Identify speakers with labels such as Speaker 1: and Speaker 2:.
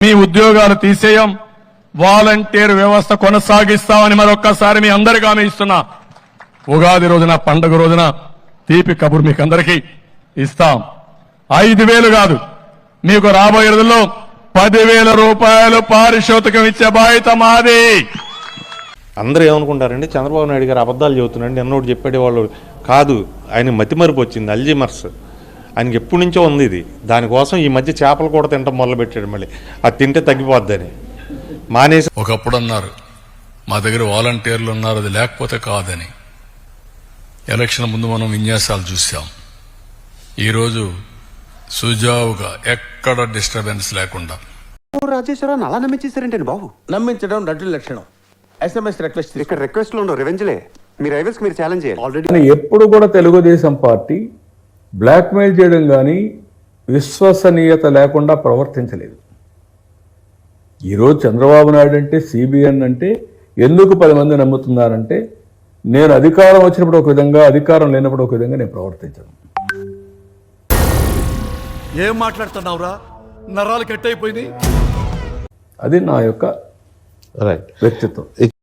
Speaker 1: మీ ఉద్యోగాలు తీసేయం, వాలంటీర్ వ్యవస్థ కొనసాగిస్తామని మరొక్కసారి మీ అందరికీ హామీ ఇస్తున్నా. ఉగాది రోజున, పండుగ రోజున తీపి కబురు మీకు అందరికీ ఇస్తాం. 5,000 కాదు, మీకు రాబోయే రోజుల్లో 10,000 రూపాయలు పారితోషికం ఇచ్చే బాధ్యత మాది.
Speaker 2: అందరూ ఏమనుకుంటారండి, చంద్రబాబు నాయుడు గారు అబద్ధాలు చెబుతున్నాడు, నిన్నోడు చెప్పేవాళ్ళు కాదు. ఆయన మతిమరుపు వచ్చింది, అల్జీమర్స్. ఆయనకి ఎప్పటి నుంచో ఉంది ఇది. దానికోసం ఈ మధ్య చేపలు కూడా తినటం మొదలుపెట్టాడు. మళ్ళీ అది తింటే తగ్గిపోద్దని మానేసి.
Speaker 3: ఒకప్పుడు అన్నారు మా దగ్గర వాలంటీర్లు ఉన్నారు, అది లేకపోతే కాదని. ఎలక్షన్ ముందు మనం విన్యాసాలు చూసాం. ఈరోజు సుజావుగా ఎక్కడ డిస్టర్బెన్స్ లేకుండా.
Speaker 4: రాజేశ్వరరావు అలా నమ్మించేశారంటండి బాబు.
Speaker 5: నమ్మించడం నటుల లక్షణం. SMS రిక్వెస్ట్
Speaker 4: ఇక్కడ రిక్వెస్ట్ లో ఉండవు, రివెంజ్లే. మీ రైవల్స్ మీరు ఛాలెంజ్ చేయాలి.
Speaker 6: ఆల్రెడీ ఎప్పుడు కూడా తెలుగుదేశం పార్టీ బ్లాక్మెయిల్ చేయడం కానీ విశ్వసనీయత లేకుండా ప్రవర్తించలేదు. ఈరోజు చంద్రబాబు నాయుడు అంటే, సిబిఎన్ అంటే ఎందుకు 10 మంది నమ్ముతున్నారంటే, నేను అధికారం వచ్చినప్పుడు ఒక విధంగా, అధికారం లేనప్పుడు ఒక విధంగా నేను ప్రవర్తించను.
Speaker 7: ఏం మాట్లాడుతున్నావురా, నరాలు కట్ అయిపోయింది.
Speaker 6: అది నా యొక్క వ్యక్తిత్వం.